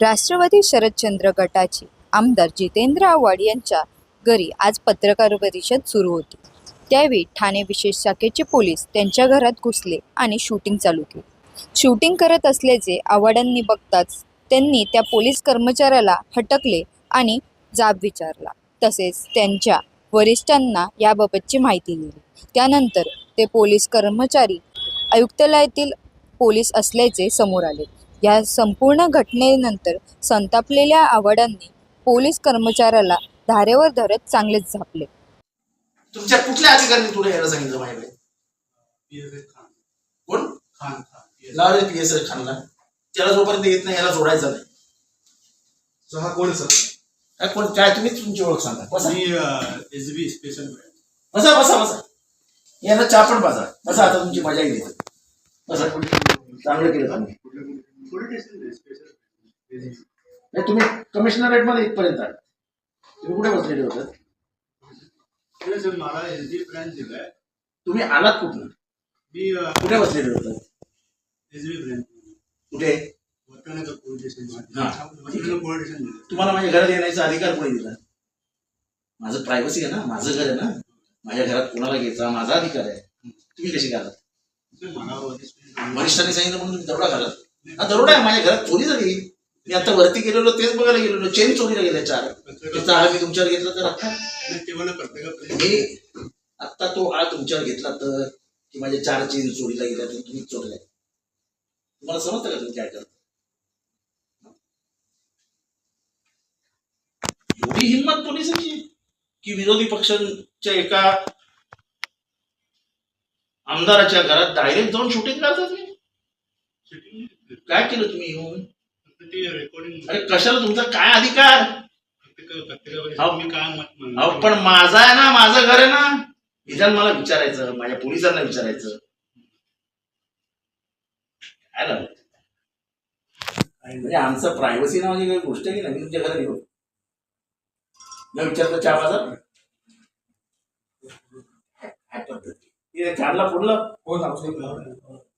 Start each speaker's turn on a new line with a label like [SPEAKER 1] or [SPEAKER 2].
[SPEAKER 1] राष्ट्रवादी शरदचंद्र गटाचे आमदार जितेंद्र आव्हाड यांच्या घरी आज पत्रकार परिषद सुरू होती. त्यावेळी ठाणे विशेष शाखेचे पोलीस त्यांच्या घरात घुसले आणि शूटिंग चालू केली. शूटिंग करत असल्याचे आव्हाडांनी बघताच त्यांनी त्या पोलीस कर्मचाऱ्याला हटकले आणि जाब विचारला. तसेच त्यांच्या वरिष्ठांना याबाबतची माहिती दिली. त्यानंतर ते पोलीस कर्मचारी आयुक्तालयातील पोलीस असल्याचे समोर आले. या संपूर्ण घटनेनंतर संतापलेल्या आव्हाडांनी पोलीस कर्मचाऱ्याला धारेवर धरत चांगलेच झापले.
[SPEAKER 2] तुमच्या कुठल्या अधिकाऱ्यांनी तुला यायला सांगितलं माहिती? कोण? खान. लावले पीएसआय खानला. त्याला जोपर्यंत येत नाही याला जोडायचा नाही.
[SPEAKER 3] हा कोण सर?
[SPEAKER 2] कोण काय तुम्ही तुमची ओळख सांगा. बसा
[SPEAKER 3] एसबी स्पेशल.
[SPEAKER 2] बसा बसा बसा. यांना चहा पण पाजा. बसा आता तुमची मजा येईल. बसा. चांगलं केलं तुम्ही. नाही तुम्ही कमिशनरेट मध्ये इथपर्यंत आले. तुम्ही कुठे बसलेले होतात?
[SPEAKER 3] सर मला एसबी ब्रांच दिलाय.
[SPEAKER 2] तुम्ही आलात कुठून?
[SPEAKER 3] मी
[SPEAKER 2] कुठे बसलेले होतात?
[SPEAKER 3] SB branch.
[SPEAKER 2] कुठे?
[SPEAKER 3] Police station.
[SPEAKER 2] तुम्हाला माझ्या घरात येण्याचा अधिकार कोणी दिला? माझं प्रायव्हसी आहे ना, माझं घर आहे ना. माझ्या घरात कोणाला घ्यायचा माझा अधिकार आहे. तुम्ही कशी घालात? वरिष्ठांनी सांगितलं म्हणून तुम्ही दरोडा घालात. हा दरोडा आहे. माझ्या घरात चोरी झाली. मी आता वरती गेलेलो तेच बघायला गेलेलो. चेन चोरीला गेल्या 4. त्याचा आळ मी तुमच्यावर घेतला तर आता मी आता तो आळ तुमच्यावर घेतला तर की माझ्या 4 चेन चोरीला गेल्या तर तुम्ही चोरल्या. तुम्हाला समजतं का तुम्ही काय करता? एवढी हिंमत पोलिसांची की विरोधी पक्षांच्या एका आमदाराच्या घरात डायरेक्ट जाऊन शूटिंग करतात. काय केलं तुम्ही येऊन? अरे कशाला? तुमचा काय अधिकार? पण माझा आहे ना, माझं घर आहे ना. विधान मला विचारायचं, माझ्या पोलिसांना विचारायचं. काय लागलं? म्हणजे आमचं प्रायव्हसी नावाची काही गोष्ट आहे की नाही. मी तुमच्या घरात येऊ न विचारलं चहा बाजार काय पद्धती? 4ला फोडलं.